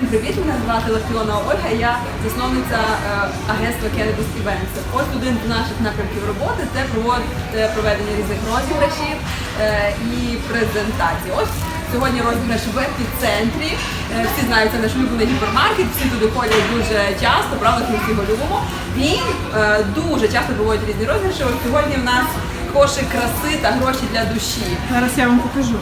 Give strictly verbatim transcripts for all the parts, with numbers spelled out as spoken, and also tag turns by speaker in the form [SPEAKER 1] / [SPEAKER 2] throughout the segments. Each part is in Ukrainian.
[SPEAKER 1] привіт, мене звати Лафіона Ольга, я засновниця е, агентства Cannabis Events. Ось один з наших напрямків роботи – це проведення різних розіграшів е, і презентацій. Ось сьогодні розіграш в епіцентрі. Е, всі знають, це наш улюблений гіпермаркет, всі туди ходять дуже часто, правда, ми всі його любимо. Він е, дуже часто проводить різні розіграші. Ось сьогодні в нас кошик краси та гроші для душі.
[SPEAKER 2] Зараз я вам покажу.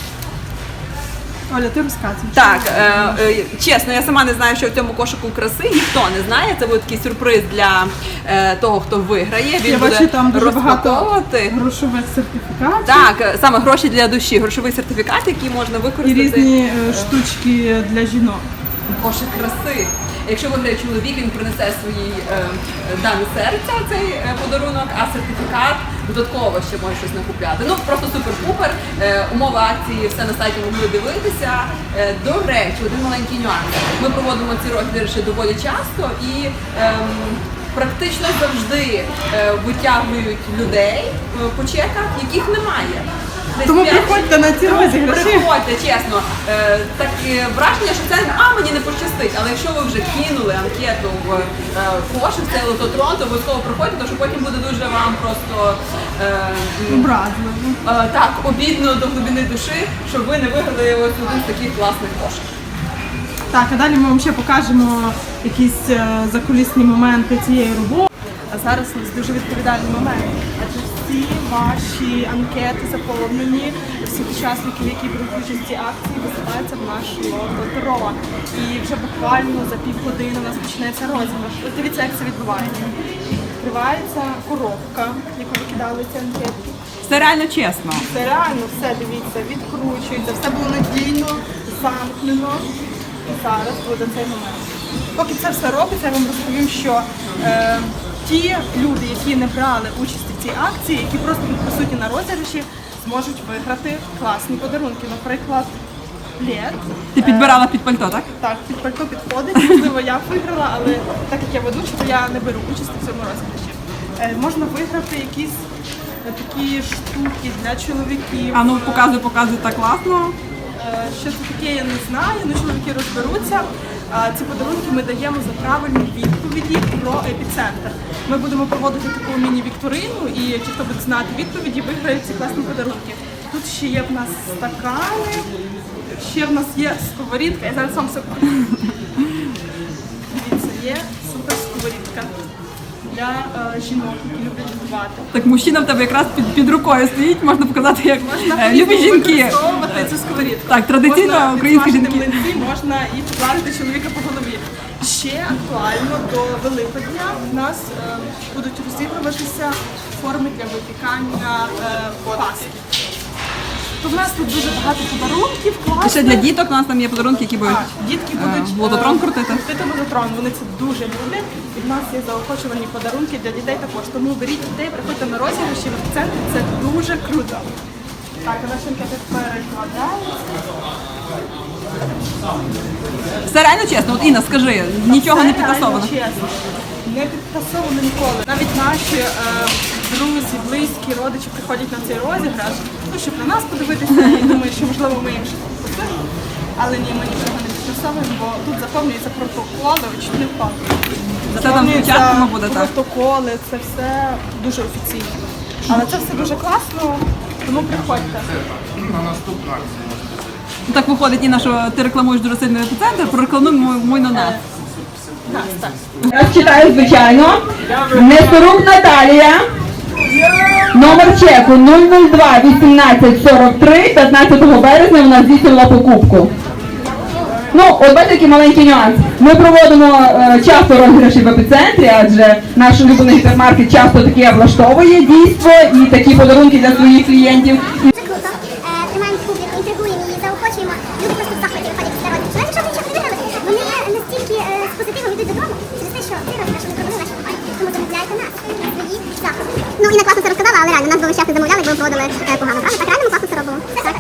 [SPEAKER 2] Оля, ти розказуєш.
[SPEAKER 1] Так, е, е, чесно, я сама не знаю, що в цьому кошику краси, ніхто не знає. Це буде такий сюрприз для е, того, хто виграє. Він
[SPEAKER 2] я
[SPEAKER 1] буде
[SPEAKER 2] бачу, там дуже багато
[SPEAKER 1] розпаковувати.
[SPEAKER 2] грошових сертифікатів.
[SPEAKER 1] Так, саме гроші для душі, грошовий сертифікат, який можна
[SPEAKER 2] І
[SPEAKER 1] використати.
[SPEAKER 2] різні е, штучки для жінок.
[SPEAKER 1] Кошик краси. Якщо виграє чоловік, він принесе своїй е, дамі серця цей е, подарунок, а сертифікат додатково ще може щось накупляти. Ну просто супер-пупер. Е, умови акції все на сайті могли дивитися. Е, до речі, один маленький нюанс. Ми проводимо ці розіграші доволі часто і ем, практично завжди е, витягують людей е, по чеках, яких немає.
[SPEAKER 2] Тому приходьте на ці розіграші.
[SPEAKER 1] Приходьте, чесно. Е, таке враження, що це а мені не пощастить. Але якщо ви вже кинули анкету в е, кошик, в цей лототрон, то обов'язково приходьте, тому що потім буде дуже вам просто е,
[SPEAKER 2] Образливо.
[SPEAKER 1] е, так, обідно до глибини душі, що ви не виграли ось один з таких класних кошиків.
[SPEAKER 2] Так, а далі ми вам ще покажемо якісь е, закулісні моменти цієї роботи. А зараз у нас дуже відповідальний момент. Адже всі ваші анкети заповнені, всіх учасників, які беруть участь в цій акції, висилаються в наш лототрон. І вже буквально за півгодини у нас почнеться розіграш. Ось дивіться, як це відбувається. Відкривається коробка, яку викидали ці анкетки.
[SPEAKER 1] Це реально чесно.
[SPEAKER 2] Це реально все, дивіться, відкручується, все було надійно, замкнено. І зараз буде цей момент. Поки це все робиться, я вам розповім, що е, ті люди, які не брали участь в цій акції, які просто будуть присутні на розіграші, зможуть виграти класні подарунки. Наприклад, плед.
[SPEAKER 1] Ти підбирала під пальто, так?
[SPEAKER 2] Так, під пальто підходить, можливо, я виграла, але так як я ведуча, то я не беру участь у цьому розіграші. Е, можна виграти якісь е, такі штуки для чоловіків.
[SPEAKER 1] А ну показуй, показуй, так класно.
[SPEAKER 2] Е, Що це таке, я не знаю, ну чоловіки розберуться. А ці подарунки ми даємо за правильні відповіді про епіцентр. Ми будемо проводити таку міні-вікторину, і ті, хто буде знати відповіді, виграють ці класні подарунки. Тут ще є в нас стакани, ще в нас є сковорідка, я зараз вам все покажу. Дивіться, є супер сковорідка для е, жінок, які люблять готувати.
[SPEAKER 1] Так, мужчина в тебе якраз під, під рукою стоїть, можна показати, як
[SPEAKER 2] Можна
[SPEAKER 1] е, любі жінки.
[SPEAKER 2] використовувати цю сковорідку.
[SPEAKER 1] Так, традиційно
[SPEAKER 2] Можна
[SPEAKER 1] українські
[SPEAKER 2] підсмажити
[SPEAKER 1] жінки.
[SPEAKER 2] млинці, можна і поплавити чоловіка по голові. Ще актуально до Великодня в нас е, будуть розігруватися форми для випікання е, паски. То в нас тут дуже багато подарунків,
[SPEAKER 1] І
[SPEAKER 2] класних.
[SPEAKER 1] ще для діток у нас там є подарунки, які будуть
[SPEAKER 2] Так, дітки
[SPEAKER 1] е,
[SPEAKER 2] будуть
[SPEAKER 1] в лототрон
[SPEAKER 2] е,
[SPEAKER 1] крутити.
[SPEAKER 2] крутити лототрон, вони це дуже люблять. І в нас є заохочувані подарунки для дітей також. Тому беріть дітей, приходьте на розіграші в епіцентрі, це дуже круто. Так, а наші анкети перекладаються.
[SPEAKER 1] Все реально чесно. От Інна, скажи, нічого не
[SPEAKER 2] Це реально
[SPEAKER 1] підтасовано.
[SPEAKER 2] чесно. Не підтасовано ніколи. Навіть наші е, друзі, близькі, родичі приходять на цей розіграш, ну, щоб на нас подивитися і думають, що можливо ми їм щось купили. Але ні, ми нічого не підтасовуємо, бо тут заповнюються протоколи, ви чуть не впали.
[SPEAKER 1] Все там спочатку буде, так?
[SPEAKER 2] Протоколи, це все дуже офіційно. Але це все дуже класно, тому приходьте.
[SPEAKER 3] На наступну акцію можете зайти.
[SPEAKER 1] Так виходить, Інна, що ти рекламуєш дуже сильно епіцентр, прорекламуємо мой на нас.
[SPEAKER 2] Так, так.
[SPEAKER 4] Я читаю, звичайно. Несорук Наталія. Номер чеку нуль нуль два вісімнадцять сорок три. п'ятнадцятого березня вона здійснила покупку. Ну, от бачите, який маленький нюанс. Ми проводимо е, часто розіграші в епіцентрі, адже наш улюблений гіпермаркет часто таке облаштовує дійство і такі подарунки для своїх клієнтів.
[SPEAKER 5] Дуже круто. Е, Тримаємо публіку, інтригуємо її, заохочуємо. Люди просто в захваті виходять після розіграшу. Навіть якщо вони нічого не виграли, вони настільки е, з позитивом йдуть додому через те, що цей розіграш ми провели наші компанії. Тому замовляйте нас, свої заходи. Ну, Інна класно це розказала, але реально нас би ви щас не замовляли, якби ми проводили е, погано, правда? Так реально ми класно це робимо. Так.